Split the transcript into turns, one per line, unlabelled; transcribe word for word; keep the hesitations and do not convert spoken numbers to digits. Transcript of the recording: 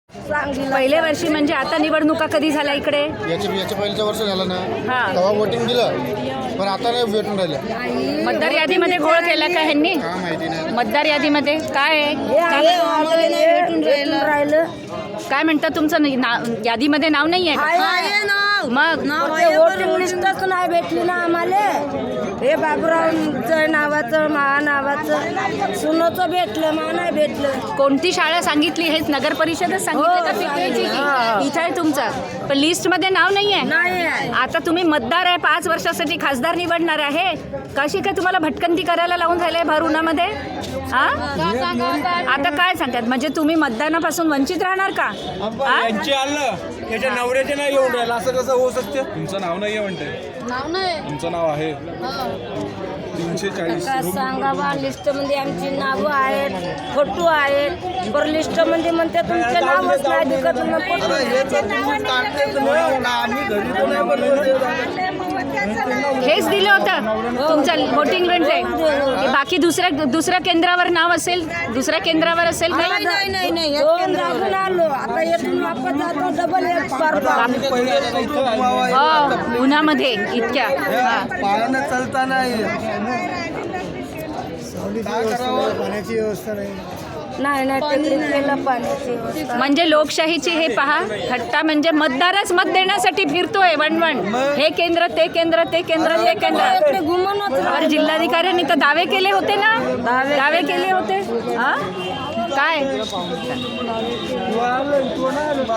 पहिल्या वर्षी म्हणजे आता निवडणुका कधी झाल्या इकडे?
याच्या याच्या पहिल्याच्या वर्ष झालं ना,
हा.
तेव्हा वोटिंग दिलं, पण आता नाही भेटून राहिलं.
मतदार यादीमध्ये घोळ केला का ह्यांनी?
का माहिती नाही.
मतदार यादीमध्ये काय आहे? काय म्हणतात तुमचं नाही- ना- यादीमध्ये नाव नाही आहे का? मग
वोटिंग लिस्टच नाही भेटली ना आम्हाला. हे बाबूरावचं नावाचं मा नावाचं सुनोचं भेटलं, मा नाही भेटलं.
कोणती शाळा सांगितली? हेच नगर परिषदच सांगितलं का पिंपरीची? इथं आहे तुमचं, पण लिस्टमध्ये नाव नाही आहे.
नाही आहे.
आता तुम्ही मतदार आहे, पाच वर्षासाठी खासदार निवडणार आहे, कशी काय तुम्हाला भटकंती करायला लावून झालंय भर उन्हामध्ये? हा? आता काय सांगतात, म्हणजे तुम्ही मतदानापासून वंचित राहणार का? हा?
यांचे आलं त्याच्या नवऱ्याचे नाही येऊन राहिलं, असं कसं होऊ शकते?
तुमचं नाव नाही आहे म्हणते.
नाव नाही.
तुमचं नाव आहे तीनशे चाळीस.
का सांगा बा, लिस्टमध्ये आमची नावं आहेत, फोटो आहेत, बरं लिस्टमध्ये म्हणते तुमचं नावच नाही दिसत.
हेच दिलं होतं तुमचं वोटिंग म्हणजे? बाकी दुसऱ्या दुसऱ्या केंद्रावर नाव असेल, दुसऱ्या केंद्रावर असेल का?
नाही नाही नाही दोन राहून आलो, आता येथून वापस जातो डबल एक
हो, उन्हामध्ये इतक्या. हा.
पायानं चालता नाही.
पाण्याची व्यवस्था नाही.
नाही नाही ते केलं पाण्याची व्यवस्था.
म्हणजे लोकशाहीची हे पहा थट्टा, म्हणजे मतदारच मत देण्यासाठी फिरतोय वणवण. हे केंद्र ते केंद्र ते केंद्र ते केंद्र.
इकडे घुमवूनच
और जिल्हाधिकाऱ्यांनी तर दावे केले होते ना, दावे केले होते. हा? काय